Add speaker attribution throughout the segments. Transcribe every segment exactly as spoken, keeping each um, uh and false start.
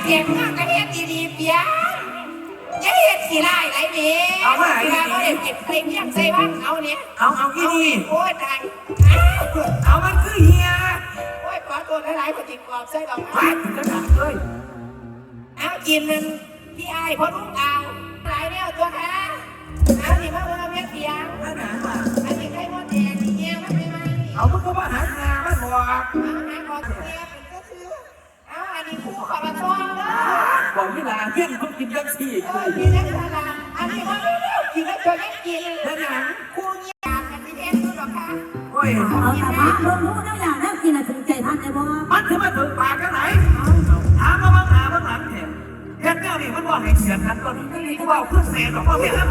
Speaker 1: เสียงเงากระเฮ็ดดีๆเปียจะเฮ็ดขี้ไล่ไรเนี้ยเอามาไอ้นี่เขาเด็กเก็บเพลงยังใส่บ้างเอาเนี้ย
Speaker 2: เอาเอาอีนี่
Speaker 1: โอ้ยตาย
Speaker 2: เอามันคือเฮีย
Speaker 1: โอ้ยขอตัวหลายๆปฏิกรอบใส่ดอกไม้
Speaker 2: ไปถึงกระดาษเลย
Speaker 1: เอากินนึงพี่ไอ้พอลูกเอาหลายแนวตัวค่ะเอาสิมาเมื่อเมียเปียงอันนี้ใครมดแดงนี่เงี้ยมันไม่ไหม
Speaker 2: เอามันก็มาหางานมันบอก
Speaker 1: เอาหาขอตัวเมียเป็นก็คือเอาอันนี้คู่ขอมาซ้อมเลย
Speaker 2: บอกนี่ล่ะเพื่อนเขากินยังสี่
Speaker 1: เออกินแล้วจะทำอันนี้มาเร็วๆกินแล้วจะไม่กิน
Speaker 2: แล้วยัง
Speaker 1: คู่เงียบกันที่เทนดูหรอคะ
Speaker 2: โอ้ย
Speaker 3: เอาแต่ว่าเบิ่งรู้แล้วอย่างนั้นกินอะถึงใจท่านไอ้บ่
Speaker 2: มันจะมาถึงปากกันไหนถามมาบ้างหาบ้างหลังเห็นเฮ็ดแนวนี่มันบอกให้เสียงกันก่อนกูบอกเพื่อนเสียงหรอกว่าเพื่อน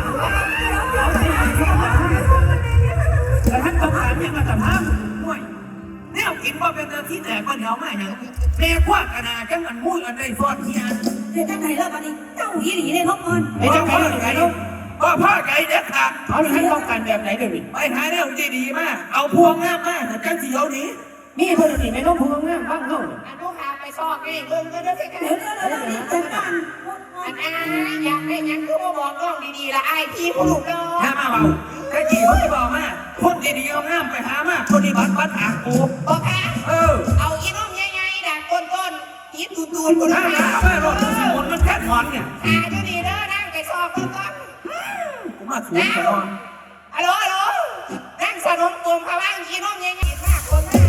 Speaker 2: แต่ท่านต้องการเนี่ยมาแต่ภาพห่วยแนวกินว่าเป็นเรื่องที่แตกก็เหนียวมากอย่างแม่คว้ากระนาจังมันมุ้ยอันใดฟอดเฮีย
Speaker 3: เฮ็ดจังได๋ล่ะบัดนี้เจ้าอีหลีได้ทบก่อน
Speaker 2: ไอ้เจ้าพ่อไก่พ่อพ่อไก่เด็ดขาด
Speaker 4: เอาให้ต้องการแบบไหนเดี๋ยวนี้
Speaker 2: ไปหาแนวดีๆมากเอาพวงงามมากแต่จังสีเอานี้
Speaker 4: มีเพื่อนนี่ไม่ต้องพูดง่ายบ้างเขา
Speaker 1: อันนู้นหาไปซอกนี่เบิ่งก็ได้แค่
Speaker 3: เดี๋ยวเดี๋ยวเดี๋ยวนี้จังกัน
Speaker 1: อันอาอยากให้ยังคือมาบอกน้องดีๆละไอ้พี่ผู้ลูกน้อง
Speaker 2: ถ้ามาเบาแค่จีเขาจะบอกมาคนดีๆเอางามไปหามาคนนี้บัดบัดหากู
Speaker 1: บอกค่ะ
Speaker 2: เออ
Speaker 1: เอาอีน้องใหญ่ๆดักก้นๆยิบตูนๆคน
Speaker 2: นั้
Speaker 1: น
Speaker 2: มาไม่รถสมุนมันแค่ถอนเนี่ย
Speaker 1: หาดูดีเด้อนั่งไปซอกก้น
Speaker 2: ๆกูมาสวนตลอด
Speaker 1: ฮัลโหลฮัลโหลนั่งสนมตัวเขาว่างอีน้องใหญ่ๆมากคนมาก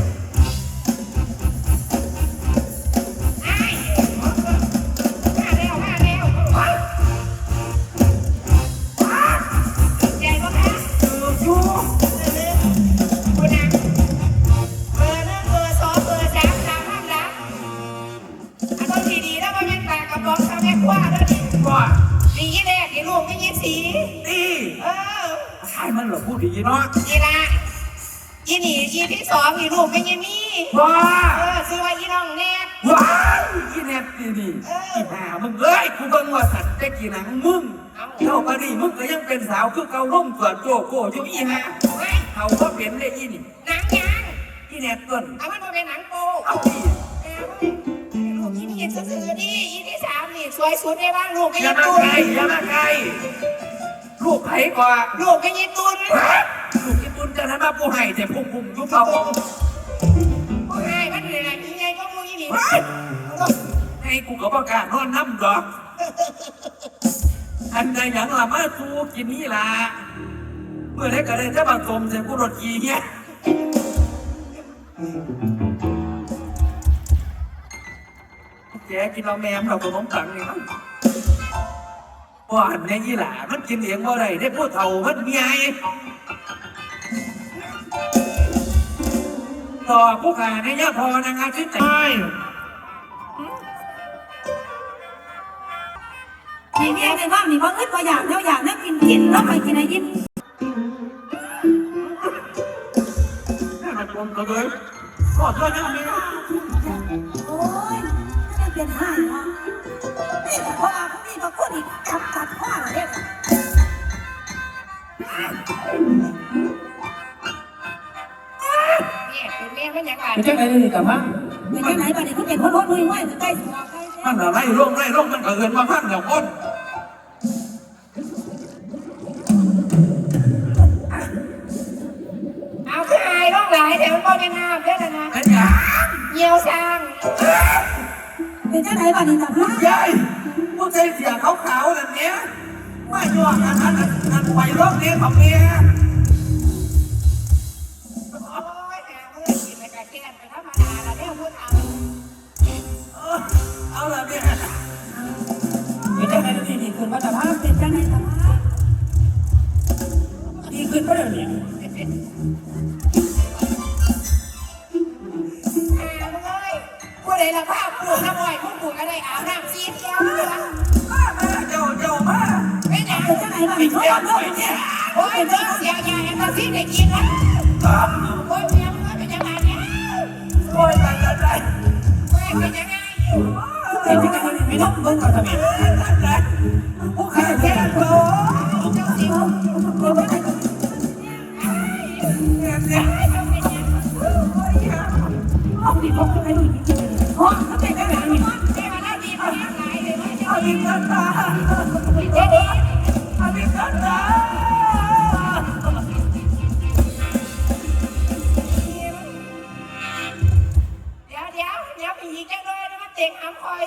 Speaker 1: ดีแรกดีลูกไม่ยี่สี
Speaker 2: ดี
Speaker 1: เออ
Speaker 2: ใช่มันเหรอพูดดีเนาะ
Speaker 1: ดีละยี่หนียี่ที่สองดีลูกไม่ยี่มี
Speaker 2: ว้า
Speaker 1: เออซื้อไว้ยี่น้องเน็ต
Speaker 2: ว้าวยี่เน็ตดีดีอีหามึงเอ้ยกูเบิ่งว่าสัตว์จะกี่หนังมึงเท่ากันนี่มึงก็ยังเป็นสาวคือเกาล่มเกิดโจโก้อยู่อีหาเขาก็เป็นได้ยี่นี่
Speaker 1: หนังยัง
Speaker 2: ยี่เน็ตต้น
Speaker 1: เอามันมาเป็นหนังโป
Speaker 2: เอาดิ
Speaker 1: ลูกยี่นี่ซื้อดียี่ที่สามนี่สวยสุดในบ้านลูกไม่
Speaker 2: ยี่ตุนอย่ามาไกลลูกไผ่กว่า
Speaker 1: ลูกไม่ยี่ตุน
Speaker 2: ลูกยี่ตุนจะทำมาปูไห่แต่พุ่งพุ่งยุบเขา
Speaker 1: ปูไห่มันเหนื่อยยังไงก็มูยี่นี่
Speaker 2: ให้กูกับประกาศนอนน้ำดอกอันใดอย่างละมาสูกินนี่ละเมื่อไรก็ได้จะมาสมเสียกูรถขี่เงี้ยแกกินเราแมมเราตัวน้องตังนี่มั้งว่าอันนี้ยี่หล่ามันกินเองว่าไรได้พูดเท่ามันเมียต่อผู้ขาในยะพอนางอาทิตย์ใจ
Speaker 3: มีเมียในบ้านมีบางเอ้ยพออยากเท่าอยากนั่งกินกินแล้วไปกินอะไรกิน
Speaker 2: น่าจะกลมกระเบื้องกอดด้วยนะเมีย
Speaker 3: โอ้ยไม่เป็นห้ายนะนี่พอมาพวกนี้มาพูดอีกจับจับข้ออะไรเนี่ย
Speaker 1: เป็นแม่มันยังไง
Speaker 4: ไม่ใช่ไงนี่กับมั้ง
Speaker 3: ไม่ใช่ไหนบ้านนี้เขาเป็นคนรถมือไหวใกล้สุด
Speaker 2: มันอะไรร่องไรร่องมันเกินมาพันเดี๋ยวก้น
Speaker 1: เอาขึ้นไอ้ร่องหลายแต่มันก็ไม่งามเด้อนะ
Speaker 2: เป็นยัง
Speaker 1: เยี่ยวช่าง
Speaker 3: เป็นเจ้าไหนบ้านนี้จับห้า
Speaker 2: ใช่พวกใจเสียขาวๆแบบนี้ไม่ยอมอันนั้นอันไปร่องนี้ของเมียเอาละเนี่ย
Speaker 4: ไม่ใช่ไงนี่ดีขึ้นมาแต่ภาพ
Speaker 3: เป็นจังไหนแต่ภาพ
Speaker 4: ดีขึ้นก็เดี๋ยวนี้
Speaker 1: ผู้ใดละภาพปลูกน้ำอ้อยผู้ปลูกอะไรอาบน้ำซีเที่ยว
Speaker 2: เจ้าเจ้ามา
Speaker 1: ไม่ใช่
Speaker 3: เป็นจังไหนบ้าง
Speaker 2: เที่ยวด้วยเนี่ย
Speaker 1: โอ้ยเจ้าเสียใหญ่แอนตาซีได้กินนะโอ้ยเมียมึงเป็นยังไงเนี่ย
Speaker 2: โอ้ยไปกันได้
Speaker 1: โอ้ยเป็นยังไง
Speaker 4: เป็นยังไงไม่ต้องเบิ่งก่อนทำไม
Speaker 2: ผู้ขายแค่โต
Speaker 1: เจ้าสิ
Speaker 2: เนี่ยเนี่ย
Speaker 3: ห้องนี้ห้องไหนห้องเขาเป็นจังไหนนี่
Speaker 1: เทวดาดีพอยังไง
Speaker 2: บิคันตา
Speaker 1: เดี๋ยวเดี๋ยว
Speaker 2: อบิคันตา
Speaker 1: เดี๋ยวเดี๋ยวเดี๋ยวไปอีกจังเลยนะมันเต็งหำคอย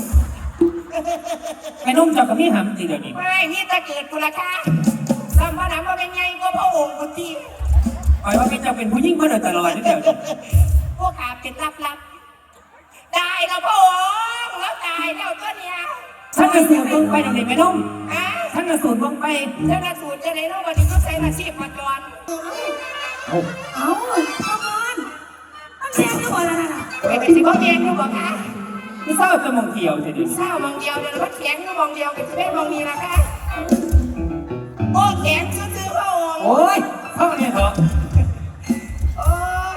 Speaker 4: ไอ้นุ่มเจ้ากับพี่หำตีเดี๋ยวนี้
Speaker 1: ไม่นี่ตะเกิดกุละค่ะสัมภาระมาเป็นไงก็พระองค์กุฏิ
Speaker 4: คอยว่าเป็นเจ้าเป็นผู้ยิ่งมาโดยตลอดนี่เดี๋ยวนี้
Speaker 1: พวกขาเป็นลับๆได้แล้วพระองค์แล้วตายแล้วก็เนี่ย
Speaker 4: ท่านกระสูนเบิ่งไปเดี๋ยวนี้ไอ้นุ่ม
Speaker 1: อ่ะ
Speaker 4: ท่านกระสูนเบิ่งไป
Speaker 1: เจ้าหน้าสูตรจะไหนรู้วันนี้ก็ใช้อาชีพมาจร
Speaker 3: เอาพ่อมอนมันแซงอยู่บ่ล่ะน่ะ
Speaker 1: ไปเป็นสิบเมียนอยู่บอกค่ะ
Speaker 4: ไม่ทราบจะมองเกี่ยวแต่เดี๋ยวนี้
Speaker 1: เศร้ามองเดียวเดี๋ยวเราแข็งอยู่มองเดียวกับที่แม่มองนี้นะคะโอ้แข็งซื่อๆพระองค์
Speaker 4: โอ้ยเข้าเนี่ยเถอะ
Speaker 1: โอ้ย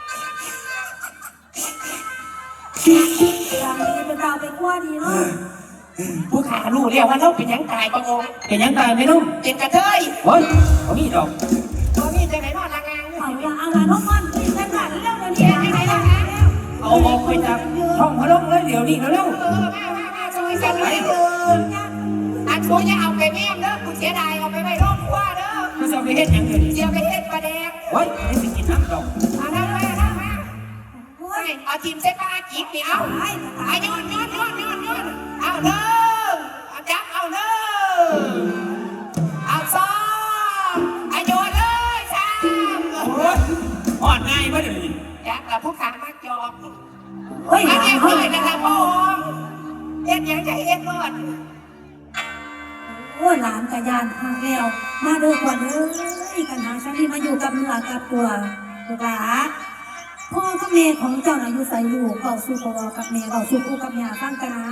Speaker 3: อย่างนี้เป็นดาวเป็นขั้วดีเนาะ
Speaker 1: ผู้ขารู้เรียกว่าเราเป็นยังตายพระองค์
Speaker 4: เป็นยังไงไม่นุ่ม
Speaker 1: เป็นกระเทย
Speaker 4: โอ้ยเอามีดอก
Speaker 1: ตัวนี้จะไหนนอนละงาง
Speaker 3: เอาละเอาละน้องมันคุยกันกันเร็วเดี๋ยวนี้
Speaker 1: เรียก
Speaker 3: นะ
Speaker 1: ยังไงล่ะคะ
Speaker 4: เอาออกไปจากห้องพระลงเลยเดี๋ยวนี้เร็ว
Speaker 1: เออมามามาช่วยกันเลยเถอะอันช่วยอย่าเอาไปแม่เด้อกูเสียดายเอาไปไว้รอบครัวเด้อ
Speaker 4: ๆมันจะไปเฮ็ดหยังเดี๋ยวนี้
Speaker 1: เสียไปเฮ็ดปลาแดง
Speaker 4: โอ้ยไม่สิกินน้ำดอก
Speaker 1: เอานั่งมานั่งมาไม่เอาทีมเส้นปลาจีบนี่เอาเอาโยนโยนโยนโยนโยนเอาเด้อเอาจับเอาเด้อเอาซ้อมเอาโยนเลยซ้
Speaker 4: โอ้ยอ่อนง่ายมาเดี๋ยวนี้
Speaker 1: ำจับกับผู้ขามาจอบ
Speaker 3: เฮ้ย
Speaker 1: มา
Speaker 3: เฮ้
Speaker 1: เรี
Speaker 3: ย
Speaker 1: ยบร้อยนะคะพ่อเฮ็ดยังจะเฮ็ดรอด
Speaker 3: โอ้หลานกับยานทางเร็วมาเด้อก่อนเอ้ยกันหาฉันที่มาอยู่กับเนื้อกับตัวลูกหลาพ่อกับแม่ของเจ้าน่ะอยู่ใส่ลูกเก่าสู่พ่อกับแม่เก่าสู่ปู่กับย่าฟังกันนะ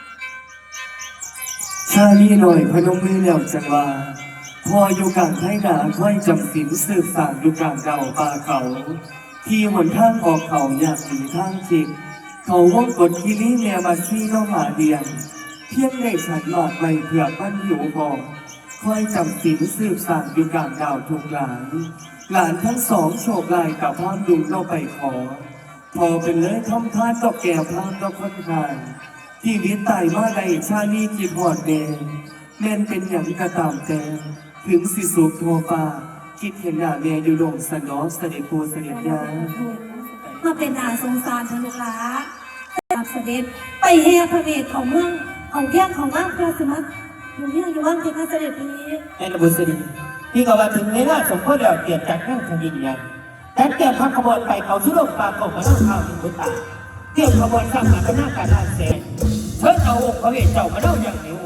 Speaker 5: ชาลีหน่อยพนมมือแล้วจังว่าพออยู่กลางไทยนาค่อยจำสินสืบสานอยู่กลางเดาป่าเขา ที่หนทางออกเขาอยากหนีทางจิตเขาว่องกดคิริเมียมาซี่น้องหมาเดียงเพียงได้ฉันหลอดไม่เผื่อมันหิวพอค่อยจำสินสืบสานอยู่กลางดาวทุกหลานหลานทั้งสองโฉบลายกับพามดุงเราไปขอ พอเป็นเลยทำทานต่อแก่พามต่อคนทาน ที่วิตไตมาในชาลีกินหอดแดงแม่นเป็นอย่างกระตามแต่ถึงสิสุขโทฟ้าคิดเห็นหน้าแม่อยู่ดงสนอเสด็จปูเสด็จยา
Speaker 3: มาเป็นอาสงสารทางลูกหลาตามเสด็จไปแห่พระเวทของเมืองของเที่ยงของว่างพระสมัครอยู่เที่ยงอยู่ว่างเป็นพระเสด็จนี้
Speaker 4: ไอ้ระบุษดีพี่ก็ว่าถึงเวลาสมควรแล้วเปลี่ยนจากนั่งทางดินยันแต่เตรียมทำขบวนไปเขาชุโลกปากของพระน้องข้าวถึงพุทธาเตรียมขบวนข้ามหาพระนาการลานเสนเชิญเอาองค์พระเวทเจ้ามาเล่าอย่างเหนียว